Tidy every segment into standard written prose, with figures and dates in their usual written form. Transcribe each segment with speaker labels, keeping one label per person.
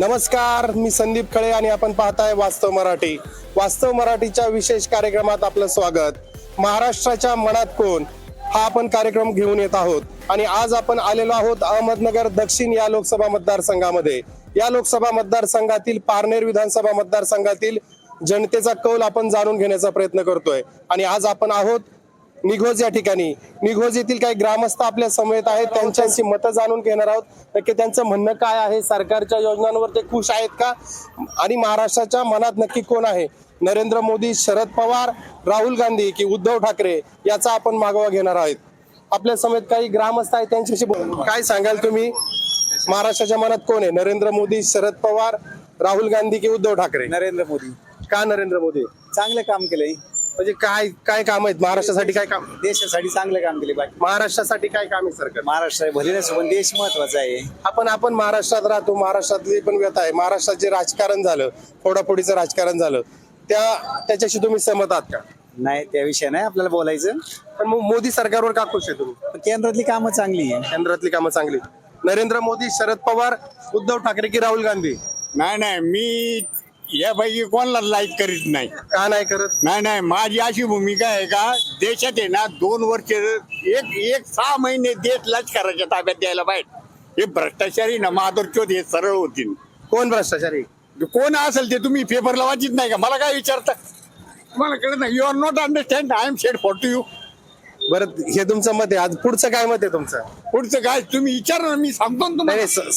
Speaker 1: नमस्कार, मी संदीप खळे आणि आपण पाहताय वास्तव मराठी. वास्तव मराठीच्या विशेष कार्यक्रमात आपलं स्वागत. महाराष्ट्राच्या मनात कोण हा आपण कार्यक्रम घेऊन येत आहोत आणि आज आपण आलेलो आहोत अहमदनगर दक्षिण या लोकसभा मतदारसंघामध्ये. या लोकसभा मतदारसंघातील पारनेर विधानसभा मतदारसंघातील जनतेचा कौल आपण जाणून घेण्याचा प्रयत्न करतोय आणि आज आपण आहोत निघोज या ठिकाणी. निघोज येथील काही ग्रामस्थ आपल्या समवेत आहेत, त्यांच्याशी मतं जाणून घेणार आहोत. नक्की त्यांचं म्हणणं काय आहे, सरकारच्या योजनांवर ते खुश आहेत का, आणि महाराष्ट्राच्या मनात नक्की कोण आहे, नरेंद्र मोदी, शरद पवार, राहुल गांधी की उद्धव ठाकरे, याचा आपण मागोवा घेणार आहोत. आपल्या समेत काही ग्रामस्थ आहेत, त्यांच्याशी काय सांगाल तुम्ही? महाराष्ट्राच्या मनात कोण आहे, नरेंद्र मोदी, शरद पवार, राहुल गांधी की उद्धव ठाकरे?
Speaker 2: नरेंद्र मोदी.
Speaker 1: का नरेंद्र मोदी?
Speaker 2: चांगले काम केलंय,
Speaker 1: म्हणजे काय काय काम आहेत महाराष्ट्रासाठी? काय काम,
Speaker 2: देशासाठी चांगले काम केले. बाकी
Speaker 1: महाराष्ट्रासाठी काय काम आहे सरकार?
Speaker 2: महाराष्ट्र भले नसो पण देश महत्वाचा आहे.
Speaker 1: आपण महाराष्ट्रात राहतो, महाराष्ट्रातली पण व्यथा आहे. महाराष्ट्रात जे राजकारण झालं, फोडाफोडीचं राजकारण झालं, त्याच्याशी तुम्ही सहमत आहात का?
Speaker 2: नाही, त्या विषय नाही आपल्याला बोलायचं.
Speaker 1: पण मग मोदी सरकारवर का खुश आहे तुम्ही?
Speaker 2: पण केंद्रातली कामं चांगली आहे.
Speaker 1: केंद्रातली कामं चांगली. नरेंद्र मोदी, शरद पवार, उद्धव ठाकरे की राहुल गांधी?
Speaker 3: नाही मी यापैकी कोणाला लाईक करीत नाही.
Speaker 1: का नाही करत?
Speaker 3: नाही माझी अशी भूमिका आहे का, देशात आहे ना 2 वर्ष एक 6 महिने देश लष्कराच्या ताब्यात द्यायला पाहिजे. हे भ्रष्टाचारी ना माधुरचोद हे सरळ होतील.
Speaker 1: कोण भ्रष्टाचारी?
Speaker 3: कोण असेल ते तुम्ही पेपरला वाचित नाही का? मला काय विचारता? तुम्हाला कळत नाही. You are not understand. I am shed for to you.
Speaker 1: बरं, हे तुमचं मत आहे. आज पुढचं काय मत आहे तुमचं?
Speaker 3: पुढचं काय तुम्ही विचारा ना, मी सांगतो ना तुम्हाला.
Speaker 1: नाही,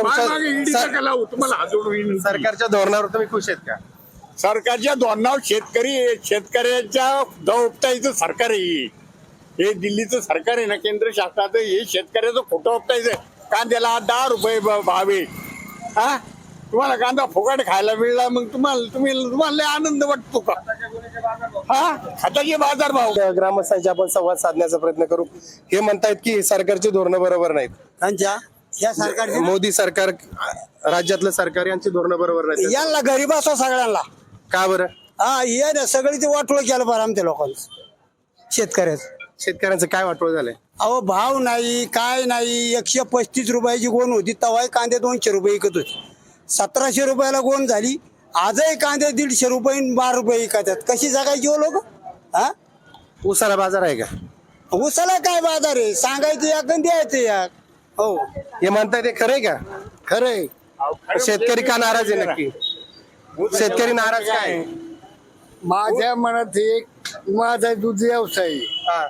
Speaker 1: सरकारच्या धोरणावर तुम्ही खुश आहेत का?
Speaker 3: सरकारच्या धोरणावर शेतकऱ्याच्या उपटायचं सरकार आहे. हे दिल्लीचं सरकार आहे ना, केंद्र शासनाचं, हे शेतकऱ्याचं खोटं उपटायचं. कांद्याला 10 रुपये भाव आहे. हा, तुम्हाला कांदा फुकट खायला मिळला, मग तुम्हाला लय आनंद वाटतो का? हा, खताचे बाजार भाव.
Speaker 1: ग्रामस्थांशी आपण संवाद साधण्याचा प्रयत्न करू. हे म्हणतायत की सरकारची धोरणं बरोबर नाहीत.
Speaker 2: या सरकार
Speaker 1: मोदी सरकार, राज्यातलं सरकार यांची धोरणं बरोबर नाहीत.
Speaker 2: यांना गरीब असो सगळ्यांना.
Speaker 1: का बरं?
Speaker 2: ये ना सगळी ते वाटोळ केलं बरं आमच्या लोकांचं.
Speaker 1: शेतकऱ्यांचं काय वाटोळ झालंय?
Speaker 2: अहो, भाव नाही, काय नाही. 135 रुपयाची गोण होती, तवाही कांदे 200 रुपये विकत होती. 1700 रुपयाला गोण झाली. आजही कांदे 150 रुपये 12 रुपये विकतात. कशी जगायची हो लोक? हा,
Speaker 1: उसाला बाजार आहे का?
Speaker 2: उसाला काय बाजार आहे? सांगायचं या आणि द्यायचं या. हो,
Speaker 1: हे म्हणताय ते खरंय का?
Speaker 2: खरंय.
Speaker 1: शेतकरी का नाराज आहे नक्की? शेतकरी नाराज काय?
Speaker 3: माझ्या मनात माझा दूध व्यवसाय आहे.
Speaker 1: हा.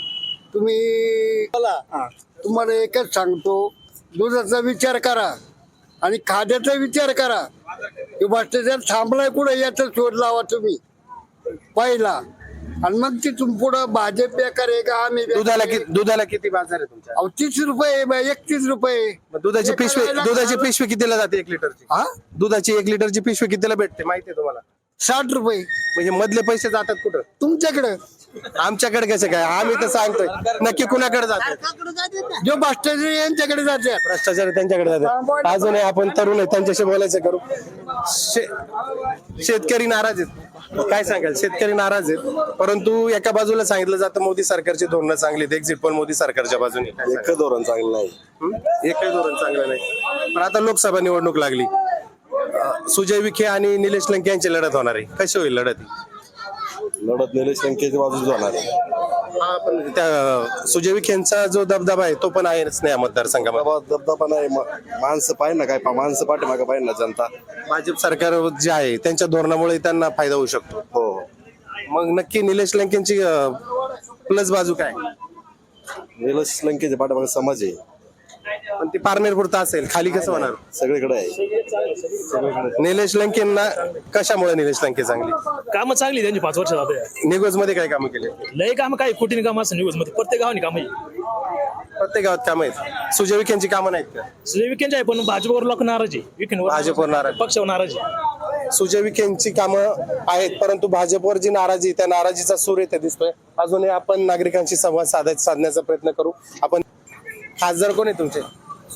Speaker 3: तुम्हाला एकच सांगतो, दुधाचा विचार करा आणि खाद्याचा विचार करा. भ्रष्टाचार थांबलाय कुठे याचा शोध लावा तुम्ही पहिला, आणि मग तिथून पुढं भाजप बेकार आहे का आम्ही
Speaker 1: दुधाला किती बाजार आहे तुमच्या?
Speaker 3: 30 रुपये 31 रुपये.
Speaker 1: मग दुधाची पिशवी कितीला जाते 1 लिटरची?
Speaker 3: हा,
Speaker 1: दुधाची 1 लिटरची पिशवी कितीला भेटते माहितीये तुम्हाला?
Speaker 3: 60 रुपये.
Speaker 1: म्हणजे मधले पैसे जातात कुठं?
Speaker 3: तुमच्याकडे.
Speaker 1: आमच्याकडे कसं काय? आम्ही तर सांगतोय नक्की कुणाकडे जातात?
Speaker 3: जो भ्रष्टाचारी यांच्याकडे जाते.
Speaker 1: भ्रष्टाचारी त्यांच्याकडे जातात. अजूनही आपण तरुण आहे, त्यांच्याशी बोलायचं करू. शेतकरी नाराज आहेत. काय सांगाल? शेतकरी नाराज आहेत, परंतु एका बाजूला सांगितलं जातं मोदी सरकारची धोरणं चांगली आहेत. एक्झिट पोल मोदी सरकारच्या बाजूने.
Speaker 4: एकच धोरण चांगलं नाही.
Speaker 1: एकही धोरण चांगलं नाही. पण आता लोकसभा निवडणूक लागली. सुजय विखे आणि निलेश लंके यांची लढत होणार आहे. कशी होईल लढत?
Speaker 4: निलेश लंकेच्या बाजूच होणार आहे.
Speaker 1: हा, पण त्या सुजय विखेंचा जो दबदबा आहे तो पण आहेच नाही या मतदारसंघामध्ये.
Speaker 4: दबदबा नाही. माणसं पाहिजे ना, काय माणसं पाठीमागे पाहिजे ना जनता.
Speaker 1: भाजप सरकार जे आहे त्यांच्या धोरणामुळे त्यांना फायदा होऊ शकतो.
Speaker 4: हो.
Speaker 1: मग नक्की निलेश लंकेंची प्लस बाजू काय?
Speaker 4: निलेश लंकेच्या पाठीमागे समाज आहे.
Speaker 1: पण ती पारनेर पुरता असेल, खाली कसं होणार?
Speaker 4: सगळीकडे आहे.
Speaker 1: निलेश लंकेंना कशामुळे निलेश लंके चांगली?
Speaker 5: कामं चांगली त्यांची 5 वर्ष जाते.
Speaker 1: निगोज मध्ये काय कामं केले?
Speaker 5: लय काम काय कुठे काम असं न्यूज मध्ये प्रत्येक गावाने काम आहे.
Speaker 1: प्रत्येक गावात कामं आहेत. सुजय विखेंची कामं नाहीत का?
Speaker 5: सुजय विकेंड आहे पण भाजपवर लोक नाराज आहे. विकेंडवर
Speaker 1: भाजपवर नाराज.
Speaker 5: पक्षावर नाराज आहे.
Speaker 1: सुजय विखेंची कामं आहेत, परंतु भाजपवर जी नाराजी, त्या नाराजीचा सूर येथे दिसतोय. अजूनही आपण नागरिकांशी संवाद साधण्याचा प्रयत्न करू. आपण खासदार कोण आहे तुमचे?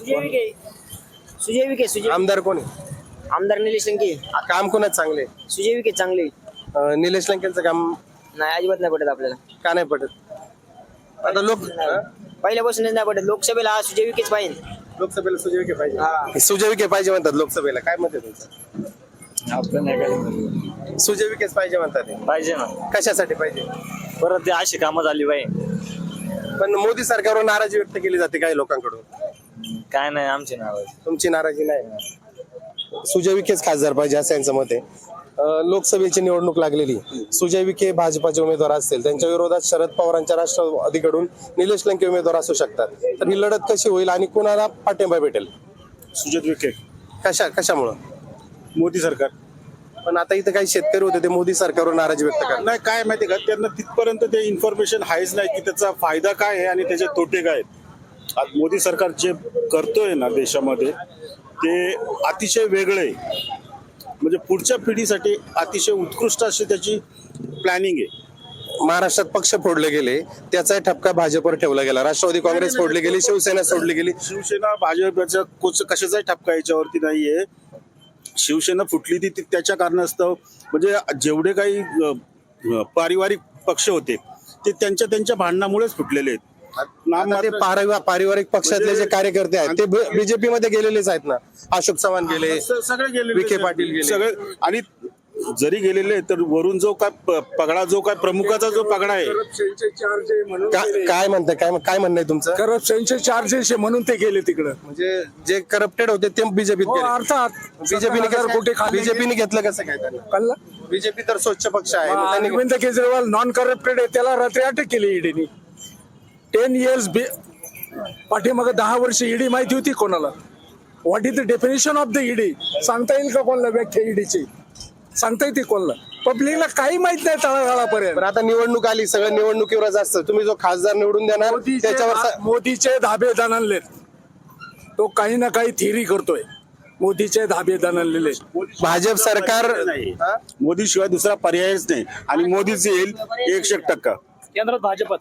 Speaker 6: सुजय विखे.
Speaker 1: आमदार कोण आहे?
Speaker 6: आमदार निलेश लंके.
Speaker 1: काम कोणाच चांगले?
Speaker 6: सुजय विखे चांगले.
Speaker 1: निलेश लंकेंचं काम
Speaker 6: नाही, अजिबात नाही पडत आपल्याला.
Speaker 1: का नाही पडत? आता लोक
Speaker 6: पहिल्यापासूनच नाही पडत. लोकसभेला सुजय विखेच पाहिजे.
Speaker 1: लोकसभेला सुजय विखे पाहिजे. सुजय विखे पाहिजे म्हणतात लोकसभेला. काय मत आहे तुमचं?
Speaker 7: आपलं नाही काय
Speaker 1: सुजय विखेच पाहिजे म्हणतात हे.
Speaker 7: पाहिजे ना.
Speaker 1: कशासाठी पाहिजे?
Speaker 7: परत ते अशी कामं झाली पाहिजे.
Speaker 1: पण मोदी सरकारवर नाराजी व्यक्त केली जाते काही लोकांकडून.
Speaker 7: काय नाही आमची नाव.
Speaker 1: तुमची नाराजी नाही. सुजय विखेच खासदार पाहिजे असं यांचं मत आहे. लोकसभेची निवडणूक लागलेली. सुजय विखे भाजपाचे उमेदवार असतील, त्यांच्या विरोधात शरद पवारांच्या राष्ट्रवादीकडून निलेश लंके उमेदवार असू शकतात. तर ही लढत कशी होईल आणि कुणाला पाठिंबा भेटेल?
Speaker 8: सुजय विखे.
Speaker 1: कशामुळं?
Speaker 8: मोदी सरकार.
Speaker 1: पण आता इथं काही शेतकरी होते ते मोदी सरकारवर नाराजी व्यक्त करतात.
Speaker 8: नाही काय माहिती का, त्यांना तिथपर्यंत ते इन्फॉर्मेशन आहेच नाही की त्याचा फायदा काय आहे आणि त्याचे तोटे काय आहेत. आज मोदी सरकार जे करतोय ना देशामध्ये ते अतिशय वेगळे आहे. म्हणजे पुढच्या पिढीसाठी अतिशय उत्कृष्ट अशी त्याची प्लॅनिंग आहे.
Speaker 1: महाराष्ट्रात पक्ष फोडले गेले, त्याचा ठपका भाजपवर ठेवला गेला. राष्ट्रवादी काँग्रेस फोडली गेली, शिवसेना सोडली गेली.
Speaker 8: शिवसेना भाजपच्या कशाचाही ठपका याच्यावरती नाहीये. शिवसेना फुटली ती त्याच्या कारणास्तव. म्हणजे जेवढे काही पारिवारिक पक्ष होते ते त्यांच्या भांडणामुळेच फुटलेले आहेत.
Speaker 1: आता ते पारिवारिक पक्षातले जे कार्यकर्ते आहेत ते बीजेपी मध्ये गेलेलेच आहेत ना. अशोक चव्हाण गेले,
Speaker 8: सगळे गेले,
Speaker 1: विखे पाटील गेले,
Speaker 8: सगळे. आणि जरी गेलेले तर वरून जो काय पगडा, जो काय प्रमुखाचा जो पगडा आहे.
Speaker 1: काय म्हणताय? काय म्हणणं आहे तुमचं?
Speaker 9: करप्शनचे चार्जेस म्हणून ते गेले तिकडं.
Speaker 1: म्हणजे जे करप्टेड होते ते बीजेपीत गेले.
Speaker 9: अर्थात
Speaker 1: बीजेपीने घेतलं कसं काय त्यांना?
Speaker 9: कळलं.
Speaker 1: बीजेपी तर स्वच्छ पक्ष आहे. मग त्यांनी
Speaker 9: अरविंद केजरीवाल नॉन करप्टेड आहे, त्याला रात्री अटक केली ईडीने. 10 years पाठीमाग 10 वर्ष ईडी माहिती होती कोणाला? What is the definition of the ED सांगता येईल का कोणाला? व्याख्या ईडीची सांगता येते कोणाला? पब्लिकला काही माहित नाही तळागाळापर्यंत.
Speaker 1: पण आता निवडणूक आली, सगळं निवडणुकीवरच असतं. तुम्ही जो खासदार निवडून देणार त्याच्यावर
Speaker 9: मोदीचे धाबे दणानले. तो काही ना काही थिअरी करतोय. मोदीचे धाबे दणानलेले.
Speaker 1: भाजप सरकार
Speaker 8: मोदी शिवाय दुसरा पर्यायच नाही. आणि मोदीच येईल 100%.
Speaker 5: केंद्रात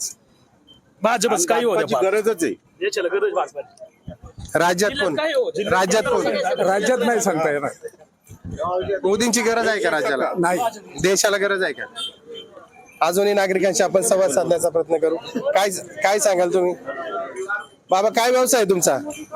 Speaker 5: भाजपच काही
Speaker 8: भाजपाची
Speaker 5: होत
Speaker 8: गरजच आहे.
Speaker 5: देशाला गरज भाजपाची.
Speaker 1: राज्यात कोण? राज्यात कोण?
Speaker 9: राज्यात नाही सांगता येणार.
Speaker 1: मोदींची गरज आहे का राज्याला?
Speaker 9: नाही.
Speaker 1: देशाला गरज आहे का? अजूनही नागरिकांशी आपण संवाद साधण्याचा प्रयत्न करू. काय सांगाल तुम्ही? बाबा, काय व्यवसाय आहे तुमचा?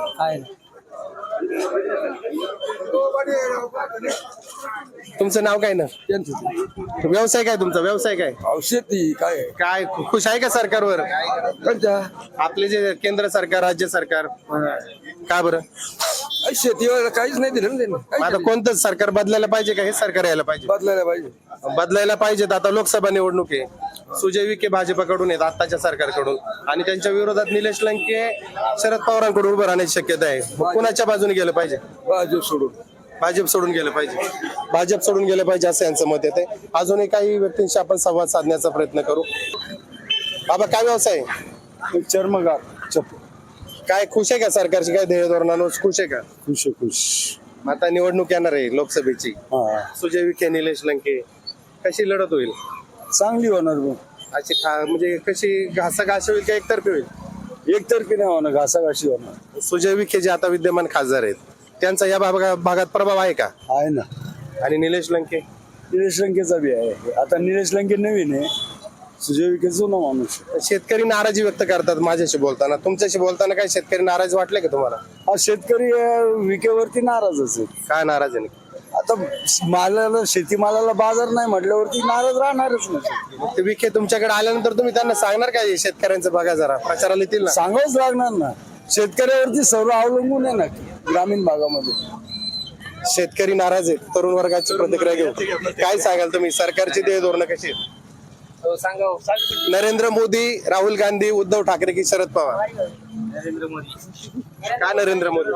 Speaker 1: तुमचं नाव काय ना? व्यवसाय काय तुमचा? व्यवसाय काय?
Speaker 9: शेती काय
Speaker 1: काय खुश आहे का सरकारवर? आपले जे केंद्र सरकार, राज्य सरकार, का बरं?
Speaker 9: शेतीवर काहीच नाही दिलं ना त्यांनी.
Speaker 1: आता कोणतं सरकार बदलायला पाहिजे का? हे सरकार यायला पाहिजे. बदलायला पाहिजेत. आता लोकसभा निवडणूक आहे. सुजय विखे भाजपाकडून आहेत आताच्या सरकारकडून, आणि त्यांच्या विरोधात निलेश लंके शरद पवारांकडून उभं राहण्याची शक्यता आहे. कुणाच्या बाजूने गेलं पाहिजे? भाजप सोडून गेलं पाहिजे. भाजप सोडून गेलं पाहिजे असं यांचं मत येते. अजूनही काही व्यक्तींशी आपण संवाद साधण्याचा प्रयत्न करू. बाबा, काय व्यवसाय आहे?
Speaker 8: चर्मगार.
Speaker 1: काय खुश आहे का सरकारची? काय ध्येय धोरणांवर खुश आहे का?
Speaker 8: खुश.
Speaker 1: आता निवडणूक येणार आहे लोकसभेची. सुजय विखे, निलेश लंके, कशी लढत होईल?
Speaker 8: चांगली होणार.
Speaker 1: अशी म्हणजे कशी घासाघाशी होईल का एकतर्फी होईल?
Speaker 8: एकतर्फी नाही होणार, घासाघाशी होणार.
Speaker 1: सुजय विखे जे आता विद्यमान खासदार आहेत त्यांचा या भागात प्रभाव आहे का?
Speaker 8: आहे ना.
Speaker 1: आणि निलेश लंके?
Speaker 8: निलेश लंकेचा बी आहे. आता निलेश लंके नवीन आहे, सुजय विखे जुना माणूस.
Speaker 1: शेतकरी नाराजी व्यक्त करतात माझ्याशी बोलताना. तुमच्याशी बोलताना काही शेतकरी नाराज वाटले का तुम्हाला?
Speaker 8: हा शेतकरी विकेवरती नाराजच आहे.
Speaker 1: काय नाराज आहे?
Speaker 8: आता शेतीमालाला बाजार नाही म्हटल्यावरती नाराज राहणारच नाही.
Speaker 1: ते विखे तुमच्याकडे आल्यानंतर तुम्ही त्यांना सांगणार काय शेतकऱ्यांचं बघा जरा, प्रचाराला येतील ना?
Speaker 8: सांगावंच लागणार ना. शेतकऱ्यावरती सर्व अवलंबून आहे ना ग्रामीण भागामध्ये.
Speaker 1: शेतकरी नाराज आहेत. तरुण वर्गाची प्रतिक्रिया घेऊ. काय सांगाल तुम्ही? सरकारची ध्येय धोरणं कशी आहेत? नरेंद्र मोदी, राहुल गांधी, उद्धव ठाकरे की शरद पवार?
Speaker 6: नरेंद्र मोदी.
Speaker 1: का नरेंद्र मोदी?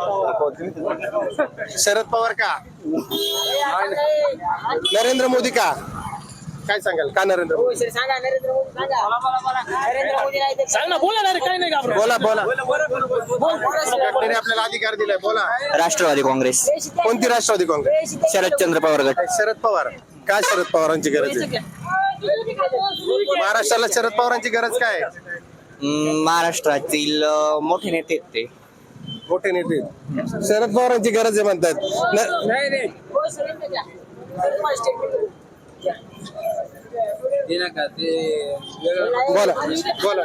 Speaker 1: शरद पवार का? नरेंद्र मोदी का? काय सांगाल? का नरेंद्र मोदी?
Speaker 6: सांगा नरेंद्र मोदी. नरेंद्र मोदी नाही
Speaker 5: सांग ना, बोला ना रे, काही नाही घाबरत.
Speaker 1: बोला. घटनेने आपल्याला अधिकार दिलाय. बोला.
Speaker 6: राष्ट्रवादी काँग्रेस.
Speaker 1: कोणती राष्ट्रवादी काँग्रेस?
Speaker 6: शरदचंद्र पवार गट.
Speaker 1: शरद पवार का? शरद पवारांची गरज आहे महाराष्ट्राला? शरद पवारांची गरज काय आहे?
Speaker 6: महाराष्ट्रातील मोठे नेते आहेत ते.
Speaker 1: मोठे नेते शरद पवारांची गरज आहे म्हणतात. बोला बोला.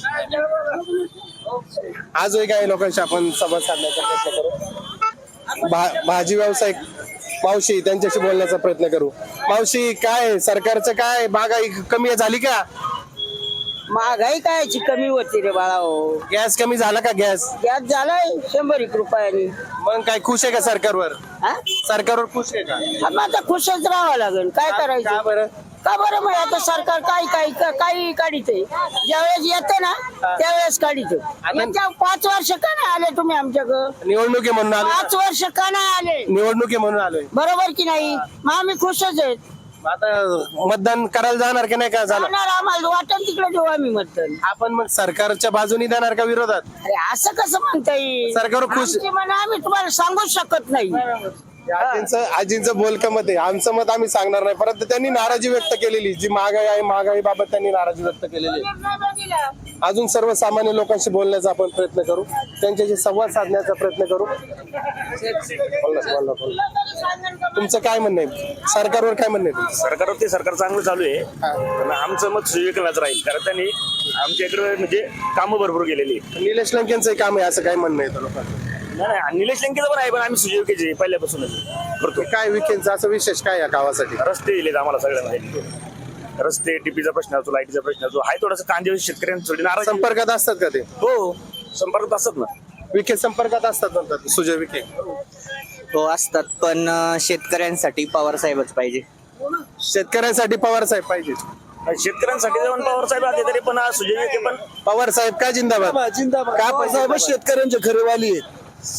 Speaker 1: आजही काही लोकांशी आपण संवाद साधण्याचा प्रयत्न करू. भाजी व्यावसायिक मावशी त्यांच्याशी बोलण्याचा प्रयत्न करू. मावशी, काय सरकारचं काय महागाई कमी झाली का?
Speaker 10: महागाई कायची कमी होती रे बाळा हो.
Speaker 1: गॅस कमी झाला का? गॅस
Speaker 10: गॅस झालाय 100 रुपयानी.
Speaker 1: मग काय खुश आहे का सरकारवर?
Speaker 10: हा?
Speaker 1: सरकारवर खुश आहे का?
Speaker 10: मग आता खुशच राहावं लागेल. काय
Speaker 1: का
Speaker 10: करायचं?
Speaker 1: बरं?
Speaker 10: का बरं मग आता सरकार काही काढित ज्यावेळेस येतं ना त्यावेळेस काढित. 5 वर्ष का नाही आले तुम्ही आमच्याकडं?
Speaker 1: निवडणूक आहे म्हणून आलोय.
Speaker 10: 5 वर्ष का नाही आले?
Speaker 1: निवडणूक आहे म्हणून आलोय.
Speaker 10: बरोबर की नाही? मग आम्ही खुशच आहेत.
Speaker 1: आता मतदान करायला जाणार की नाही? काय झालं?
Speaker 10: जाणार आम्हाला वाटण तिकडे देऊ आम्ही मतदान.
Speaker 1: आपण मग सरकारच्या बाजूनी देणार का विरोधात?
Speaker 10: अरे असं कसं म्हणता येईल?
Speaker 1: सरकारवर खुश-
Speaker 10: आमची मनं आम्ही तुम्हाला सांगूच शकत नाही.
Speaker 1: आजींचं बोलकं मत आहे. आमचं मत आम्ही सांगणार नाही, परंतु त्यांनी नाराजी व्यक्त केलेली, जी महागाई आहे महागाई बाबत त्यांनी नाराजी व्यक्त केलेली आहे. अजून सर्वसामान्य लोकांशी बोलण्याचा आपण प्रयत्न करू, त्यांच्याशी संवाद साधण्याचा प्रयत्न करू. बोला. तुमचं काय म्हणणं आहे? सरकारवर काय म्हणणं आहे?
Speaker 7: सरकारवर ते सरकार चांगलं चालू आहे, पण आमचं मत सुविकलाच राहील, कारण त्यांनी आमच्या इकडे म्हणजे कामं भरपूर केलेली.
Speaker 1: निलेश लंकेंचं काम आहे असं काय म्हणणं आहे लोकांचं?
Speaker 7: नाही, निलेश लंकेचं पण आहे, पण आम्ही सुजय विखेचे पहिल्यापासूनच करतो.
Speaker 1: काय विकेंडचा असं विशेष काय या गावासाठी?
Speaker 7: रस्ते दिलेत आम्हाला सगळ्यांना. रस्ते, टीपीचा प्रश्न असतो, लाईटीचा प्रश्न असतो, आहे थोडंसं कांदे शेतकऱ्यांना थोडी नाराज.
Speaker 1: संपर्कात असतात का ते?
Speaker 7: हो, संपर्कात असतात ना.
Speaker 1: विखे संपर्कात असतात म्हणतात सुजय विखे.
Speaker 6: हो असतात, पण शेतकऱ्यांसाठी पवार साहेबच पाहिजे.
Speaker 1: शेतकऱ्यांसाठी पवार साहेब पाहिजे.
Speaker 7: शेतकऱ्यांसाठी जाऊन पवार साहेब आले तरी पण सुजय विखे पण.
Speaker 1: पवार साहेब का जिंदाबाद?
Speaker 2: जिंदाबाद. पवार साहेब शेतकऱ्यांचे खरे वाली आहेत.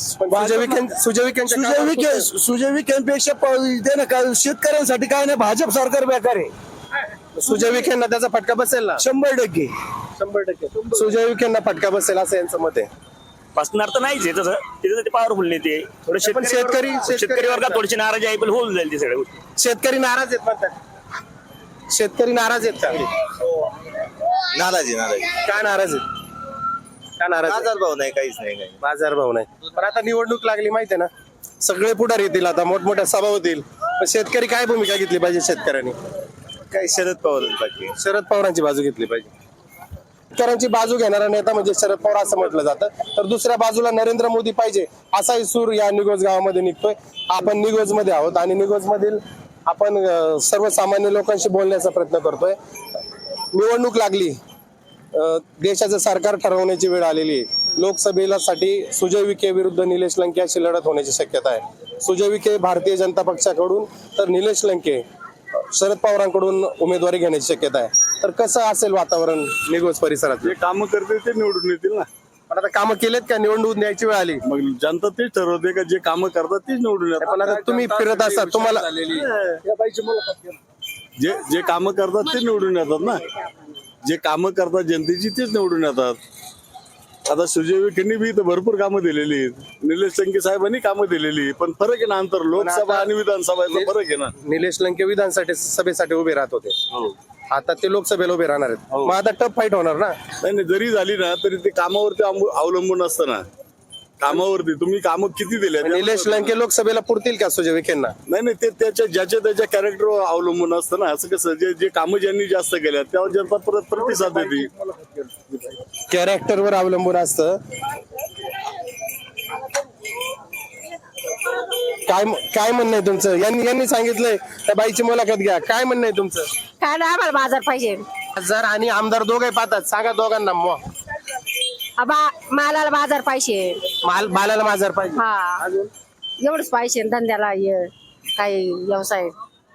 Speaker 2: सुजय विखेंपेक्षा शेतकऱ्यांसाठी काय नाही, भाजप सरकार बेकार आहे.
Speaker 1: सुजय विखेंना त्याचा फटका बसेल ना?
Speaker 2: 100%.
Speaker 1: 100%. सुजय विखेंना फटका बसेल असं यांचं मत आहे.
Speaker 7: बसणार तर नाहीच आहे तसं, त्याच्यासाठी पॉवरफुल नेते थोडे शेतकरी वर्गात थोडीशी नाराजी आहे, पण होऊन जाईल ते सगळे.
Speaker 1: शेतकरी नाराज आहेत म्हणतात. शेतकरी नाराज आहेत का?
Speaker 4: नाराजी
Speaker 1: काय नाराज आहेत? का नाराज आहेत?
Speaker 4: बाजार भाव नाही, काहीच नाही.
Speaker 1: बाजारभाव नाही. पण आता निवडणूक लागली माहितीये ना, सगळे पुढारी येतील, आता मोठमोठ्या सभा होतील. पण शेतकरी काय भूमिका घेतली पाहिजे? शेतकऱ्यांनी
Speaker 4: काही शरद पवार बाकी.
Speaker 1: शरद पवारांची बाजू घेतली पाहिजे. शेतकऱ्यांची बाजू घेणारा नेता म्हणजे शरद पवार असं म्हटलं जातं, तर दुसऱ्या बाजूला नरेंद्र मोदी पाहिजे असाही सूर या निगोज गावामध्ये निघतोय. आपण निगोज मध्ये आहोत आणि निगोज मधील आपण सर्वसामान्य लोकांशी बोलण्याचा प्रयत्न करतोय. निवडणूक लागली, देशाचं सरकार ठरवण्याची वेळ आलेली आहे. लोकसभेला साठी सुजय विखे विरुद्ध निलेश लंके अशी लढत होण्याची शक्यता आहे. सुजय विखे भारतीय जनता पक्षाकडून तर निलेश लंके शरद पवारांकडून उमेदवारी घेण्याची शक्यता आहे. तर कसं असेल वातावरण निगोज परिसरात?
Speaker 8: जे कामं करते ते निवडून येतील ना.
Speaker 1: पण आता कामं केलेत का? निवडणूक द्यायची वेळ आली,
Speaker 8: मग जनता तेच ठरवते का जे कामं करतात तेच निवडून येतात.
Speaker 1: पण आता तुम्ही फिरत असतात, तुम्हाला
Speaker 8: जे कामं करतात ते निवडून येतात ना. जे कामं करतात जनतेची तेच निवडून येतात. आता सुजय विखेंनी बी इथं भरपूर कामं दिलेली आहेत, निलेश लंके साहेबांनी कामं दिलेली, पण फरक आहे ना, अंतर लोकसभा आणि विधानसभेचा फरक आहे ना.
Speaker 1: निलेश लंके विधानसाठी सभेसाठी उभे राहत होते, आता ते लोकसभेला उभे राहणार आहेत. मग आता टफ फाईट होणार ना?
Speaker 8: नाही, जरी झाली ना तरी ते कामावरती अवलंबून असतं ना. कामावरती तुम्ही कामं किती दिले.
Speaker 1: निलेश लंके लोकसभेला पुरतील का सुजय विखेंना?
Speaker 8: नाही, ते त्याच्या कॅरेक्टरवर अवलंबून असतं ना. असं कसं जे कामं ज्यांनी जास्त केल्या त्यावर जनता परत प्रतिसाद देते.
Speaker 1: कॅरेक्टरवर अवलंबून असतं. काय म्हणणं आहे तुमचं? यांनी सांगितलंय त्या बाईची मुलाखत घ्या. काय म्हणणं आहे तुमचं?
Speaker 10: काय नाही, आम्हाला बाजार पाहिजे.
Speaker 1: खासदार आणि आमदार दोघे पाहतात, सांगा दोघांना.
Speaker 10: मालाला बाजार पाहिजे.
Speaker 1: मालाला बाजार पाहिजे.
Speaker 10: हा, एवढंच पाहिजे. धंद्याला काही व्यवसाय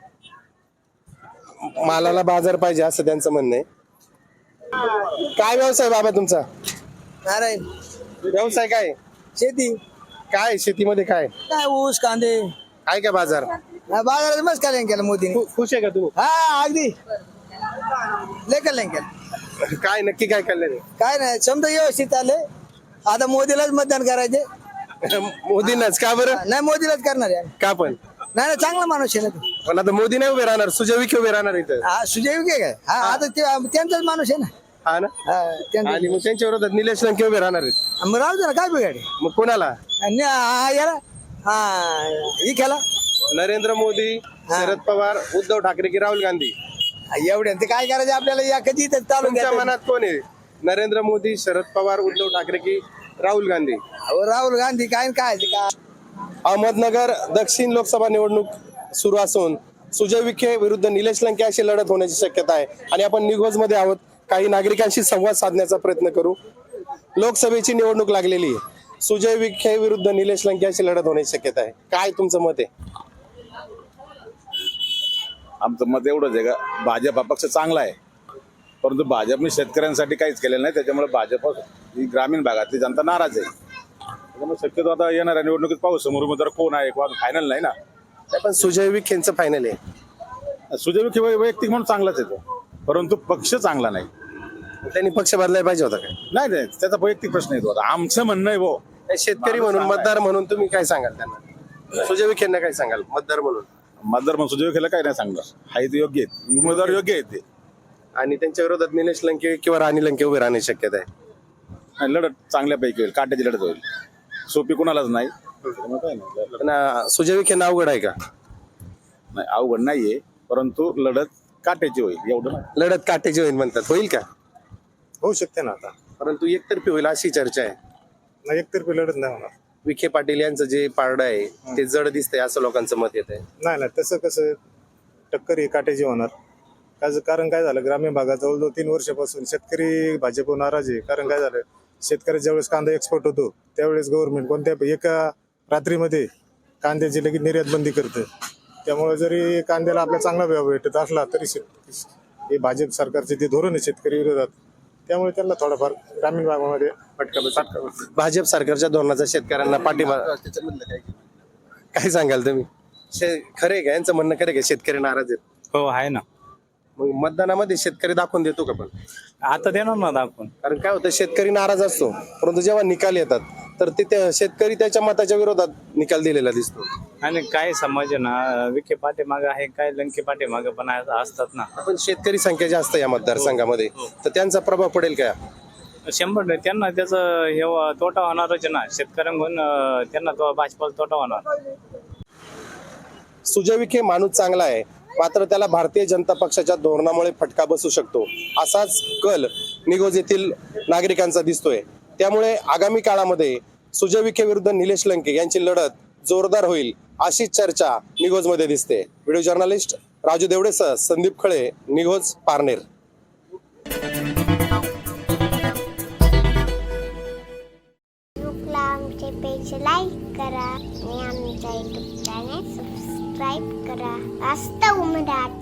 Speaker 1: मालाला बाजार पाहिजे असं त्यांचं म्हणणं आहे. काय व्यवसाय बाबा तुमचा?
Speaker 2: नारायण.
Speaker 1: व्यवसाय काय?
Speaker 2: शेती.
Speaker 1: काय शेतीमध्ये काय
Speaker 2: काय ऊस कांदे
Speaker 1: काय काय बाजार?
Speaker 2: बाजारात मस्त कल्याण केलं मोदीने.
Speaker 1: खुश आहे का तुम्ही?
Speaker 2: हा, अगदी लय कल्याण केलं.
Speaker 1: काय नक्की काय कल्याण?
Speaker 2: काय नाही, समजा व्यवस्थित आले. आता मोदीलाच मतदान करायचे.
Speaker 1: मोदींनाच का बरं?
Speaker 2: नाही, मोदीलाच करणार आहे.
Speaker 1: का पण?
Speaker 2: नाही, चांगला माणूस आहे ना तो.
Speaker 1: पण आता मोदी नाही उभे राहणार, सुजय विखे उभे राहणार इथं.
Speaker 2: हा, सुजय विखे काय? हा, आता त्यांचाच माणूस आहे ना.
Speaker 1: हा ना.
Speaker 2: हा, त्यांचा.
Speaker 1: आणि मग त्यांच्या विरोधात निलेश लंके उभे राहणार आहेत.
Speaker 2: मग राहू दे ना, काय बिघाडे.
Speaker 1: मग कोणाला?
Speaker 2: याला ही खेळा.
Speaker 1: नरेंद्र मोदी, शरद पवार, उद्धव ठाकरे की राहुल गांधी?
Speaker 2: एवढ्या ते काय करायचं आपल्याला या कधी तर चालून
Speaker 1: तुमच्या
Speaker 2: द्यायचं.
Speaker 1: मनात कोण आहे? नरेंद्र मोदी, शरद पवार, उद्धव ठाकरे की राहुल गांधी?
Speaker 2: अहो, राहुल गांधी काय काय ते काय
Speaker 1: अहमदनगर दक्षिण लोकसभा निवडणूक सुरू असून सुजय विखे विरुद्ध निलेश लंके अशी लढत होण्याची शक्यता आहे आणि आपण निघोज मध्ये आहोत. काही नागरिकांशी संवाद साधण्याचा प्रयत्न करू. लोकसभेची निवडणूक लागलेली आहे. सुजय विखे विरुद्ध निलेश लंके अशी लढत होण्याची शक्यता आहे. काय तुमचं मत आहे?
Speaker 8: आमचं मत एवढंच आहे का भाजप हा पक्ष चांगला आहे, परंतु भाजपने शेतकऱ्यांसाठी काहीच केलेलं नाही. त्याच्यामुळे भाजप ही ग्रामीण भागातली जनता नाराज आहे. त्याच्यामुळे शक्यतो आता येणाऱ्या निवडणुकीत पाहू समोर उमेदवार कोण आहे, कोण फायनल नाही ना.
Speaker 1: पण सुजय विखेंचं फायनल आहे.
Speaker 8: सुजय विखे वैयक्तिक म्हणून चांगलाच येतो, परंतु पक्ष चांगला नाही.
Speaker 1: त्यांनी पक्ष बदलायला पाहिजे होता काय?
Speaker 8: नाही नाही, त्याचा वैयक्तिक प्रश्न येतो. आता आमचं म्हणणं आहे भाऊ,
Speaker 1: शेतकरी म्हणून, मतदार म्हणून तुम्ही काय सांगाल त्यांना? सुजय विखेंना काय सांगाल मतदार म्हणून?
Speaker 8: मतदार म्हणून सुजय विखेला काही नाही सांगणार. आहे ते योग्य आहेत, उमेदवार योग्य आहेत ते.
Speaker 1: आणि त्यांच्या विरोधात निलेश लंके किंवा राणी लंके उभे राहण्याची शक्यता आहे.
Speaker 8: आणि लढत चांगल्यापैकी होईल, काट्याची लढत होईल. सोपी कुणालाच नाही. त्यामुळे काय नाही,
Speaker 1: पण सुजय विखेंना अवघड आहे का?
Speaker 8: नाही अवघड नाहीये, परंतु लढत काट्याची होईल एवढं नाही.
Speaker 1: लढत काटेची होईल म्हणतात, होईल का?
Speaker 8: होऊ शकते ना. आता
Speaker 1: परंतु एकतर्फी होईल अशी चर्चा आहे.
Speaker 8: नाही, एकतर्फी लढत नाही होणार.
Speaker 1: विखे पाटील यांचं जे पारडं आहे ते जड दिसतंय असं लोकांचं मत येत आहे.
Speaker 8: नाही तसं कसं टक्कर ही काट्याची होणार. कारण काय झालं, ग्रामीण भागात जवळजवळ 3 वर्षापासून शेतकरी भाजपवर नाराज आहे. कारण काय झालं, शेतकऱ्याच्या ज्यावेळेस कांदा एक्सपोर्ट होतो त्यावेळेस गव्हर्नमेंट कोणत्या एका रात्रीमध्ये कांद्याची लगेच निर्यात बंदी करतं. त्यामुळे जरी कांद्याला आपला चांगला भाव भेटत असला तरी हे भाजप सरकारचे ते धोरण आहे शेतकरी विरोधात. त्यामुळे त्यांना थोडाफार ग्रामीण भागामध्ये फटका बसतो.
Speaker 1: भाजप सरकारच्या धोरणाचा शेतकऱ्यांना पाठिंबा काय सांगाल तुम्ही? खरे का यांचं म्हणणं खरे का शेतकरी नाराज आहेत?
Speaker 5: हो आहे ना.
Speaker 1: मग मतदानामध्ये शेतकरी दाखवून देतो का? पण
Speaker 5: आता देणार ना दाखवून.
Speaker 1: कारण काय होतं, शेतकरी नाराज असतो परंतु जेव्हा निकाल येतात तर ते शेतकरी त्याच्या मताच्या विरोधात निकाल दिलेला दिसतो.
Speaker 5: आणि काय समज ना, विखे पाठीमाग आहे, काय लंके पाठीमाग पण असतात ना.
Speaker 1: पण शेतकरी संख्या जास्त या मतदारसंघामध्ये, तर त्यांचा प्रभाव पडेल का?
Speaker 5: 100% त्यांना त्याचं हे तोटा होणारच ना. शेतकऱ्यांकडून त्यांना तो भाजपाला तोटा होणार.
Speaker 1: सुजय विखे माणूस चांगला आहे, मात्र त्याला भारतीय जनता पक्षाच्या धोरणामुळे फटका बसू शकतो असाच कल निघोज येथील नागरिकांचा दिसतोय. त्यामुळे आगामी काळामध्ये सुजय विखे विरुद्ध निलेश लंके यांची लढत जोरदार होईल अशी चर्चा निघोजमध्ये दिसते. व्हिडिओ जर्नलिस्ट राजू देवडेसह संदीप खळे, निघोज, पारनेर.
Speaker 11: आमचे पेज लाईक करा आणि आमच्या युट्यूब चॅनेल सबस्क्राईब करा. वास्तव मराठी.